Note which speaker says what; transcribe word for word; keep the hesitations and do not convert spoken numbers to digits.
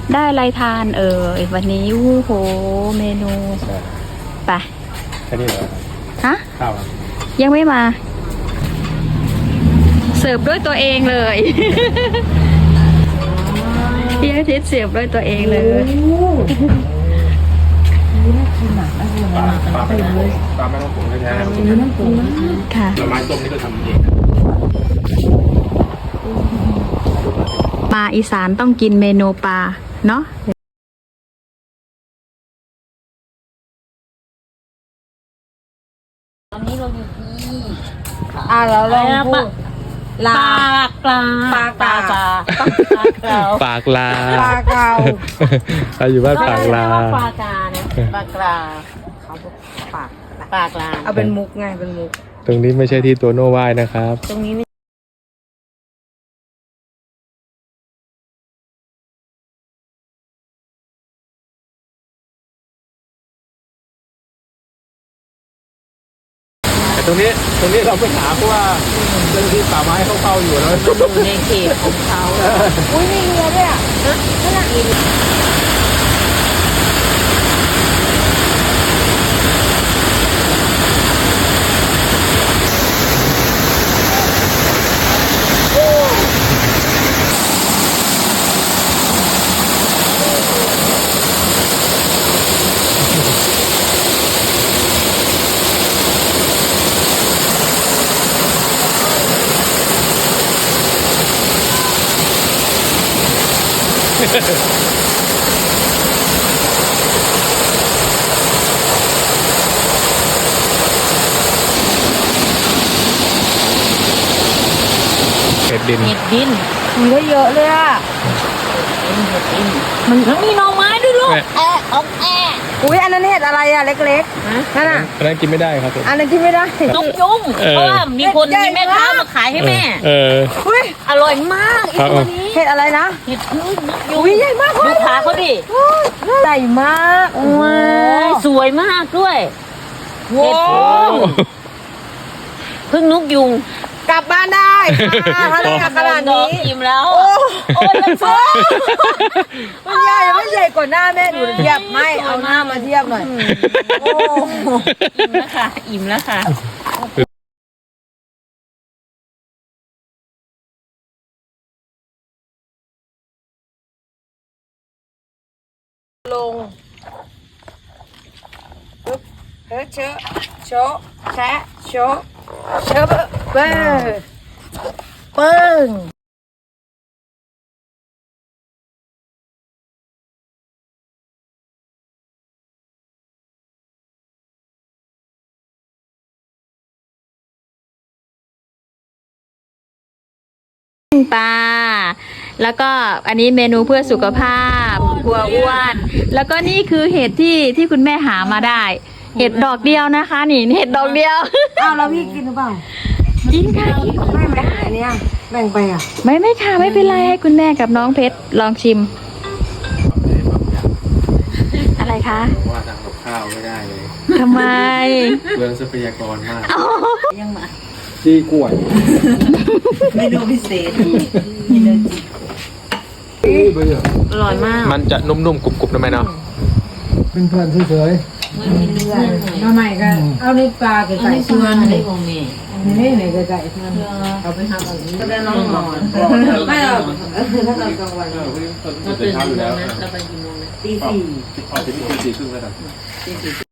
Speaker 1: ได้อะไรทานเอ่ยวันนี้โอ้โหเมนูไป
Speaker 2: แค่นี้เหรอ
Speaker 1: ฮะ
Speaker 2: ข้าว
Speaker 1: ยังไม่มาเสิร์ฟด้วยตัวเองเลยพี่อาทิตย์เสิร์ฟด้วยตัวเองเลย
Speaker 2: ปลาปลาไม่ต้องปรุงปลาไม่ต้องปรุงแท้ๆไม่ต้องปรุง
Speaker 1: ค่ะ
Speaker 2: ผลไม้ต้มนี่ก็ทำเอง
Speaker 1: มาอีสานต้องกินเมนูปลาเนาะ
Speaker 3: ตอนนี้เราอยู่ที่
Speaker 4: อ่าเราลองพูด
Speaker 3: ปลากลา
Speaker 4: ปลาปลาปลา
Speaker 2: ปากลา
Speaker 4: ปลาเกา
Speaker 2: เราอยู่บ้านปากลา
Speaker 3: ปลากลานะปลากลา
Speaker 4: เขาบอกปาก
Speaker 3: ปลากลา
Speaker 4: เอาเป็นมุกไงเป็นมุก
Speaker 2: ตรงนี้ไม่ใช่ที่ตัวโน้ว่ายนะครับ
Speaker 3: ตรงนี้ไม่
Speaker 2: ตรงนี้ตรงนี้เราไปหาเพราะว่าเจ้าหน้าที่ป่าไม้เขาเฝ้าอยู่แล้ว
Speaker 3: มันอยู่ในเขตของเขา
Speaker 4: อุ้ยมีเรือด้วยอ่ะนั่นน่ะ
Speaker 2: เห็ดดิน
Speaker 3: เห็ดดิน
Speaker 4: มีได้เยอะเลยอ่ะ
Speaker 3: มันมีหน่อไม้ด้วยลูกแอะออกแอะ
Speaker 4: อุ้ยอันนั้นเห็ดอะไรอ่ะเล็กๆนั่นน่ะ
Speaker 2: อันนั้นกินไม่ได้ครับ
Speaker 4: อันนั้นกินไม่ได้
Speaker 3: นกยุงเพราะว่ามีคนมีแม่ค้ามาขายให้แม่
Speaker 2: เออ
Speaker 3: อร่อยมากอีกตัวนี้
Speaker 4: เห็ดอะไรนะ
Speaker 3: เห็ดพึ่งนกยุง
Speaker 4: อุ้ยใหญ่มาก
Speaker 3: ดูขาเขาดิ
Speaker 4: ใหญ่มาก
Speaker 3: ว้าวสวยมากด้วยเห็ดพึ่งพึ่งนกยุง
Speaker 4: กลับบ้านได้ถ้าได้ขนาดนี้
Speaker 3: อิ่มแล้ว
Speaker 4: โอ้โอ้ยังฟ้ามันใหญ่ไม่ใหญ่กว่าหน้าแม่ดูเทียบไม่เอาหน้ามาเทียบหน่อยโอ้
Speaker 3: อิ่มแล้วค่ะอิ่มแล้วค่ะ
Speaker 4: ลงปึ๊บเฮ้ยเชอะโชะแชะโชะเชอะเบิ้งเบิ้ง
Speaker 1: ปลาแล้วก็อันนี้เมนูเพื่อสุขภาพกลัวอ้วนแล้วก็นี่คือเห็ดที่ที่คุณแม่หามาได้เห็ดดอกเดียวนะคะนี่เห็ดดอกเดียว
Speaker 4: อ้าวแล้วพี่กินหรือเปล่า
Speaker 1: กินค่ะกิน
Speaker 4: ไม่ไม่ได้เนี่ยแบ่งไปอ่ะ
Speaker 1: ไม่ไม่ค่ะไม่เป็นไรให้คุณแม่กับน้องเพชรลองชิมอะไรคะ
Speaker 2: ว่าทำกับข้าวไม่ได้เลย
Speaker 1: ทำไม
Speaker 2: เรื่องทรัพยากรมาก
Speaker 3: ยังมา
Speaker 2: จี้กล้วย
Speaker 3: เมนูพิเศษอร่อยมาก
Speaker 2: มันจะนุ่มๆกรุบๆนะแม่เนาะ
Speaker 5: เป็นเพื่อนเฉย
Speaker 3: ๆมันมีเลือด
Speaker 4: น้ำใหม่ก็เอาในปลาไก่ไก่ชวน
Speaker 3: ได้ของแม่
Speaker 4: นี่ไหนไก่ไก่ชวน
Speaker 3: เอาไปทำอะไรก็
Speaker 4: ได้น้องนอนไม่หรอกถ้าตอนกลางวัน
Speaker 3: เราตื่นกี่โมงนะเราไปกี่โมงนะ
Speaker 4: ตีสี่
Speaker 2: ออกจากที่ตีสี่ครึ่งแล้วกัน
Speaker 3: ตีสี่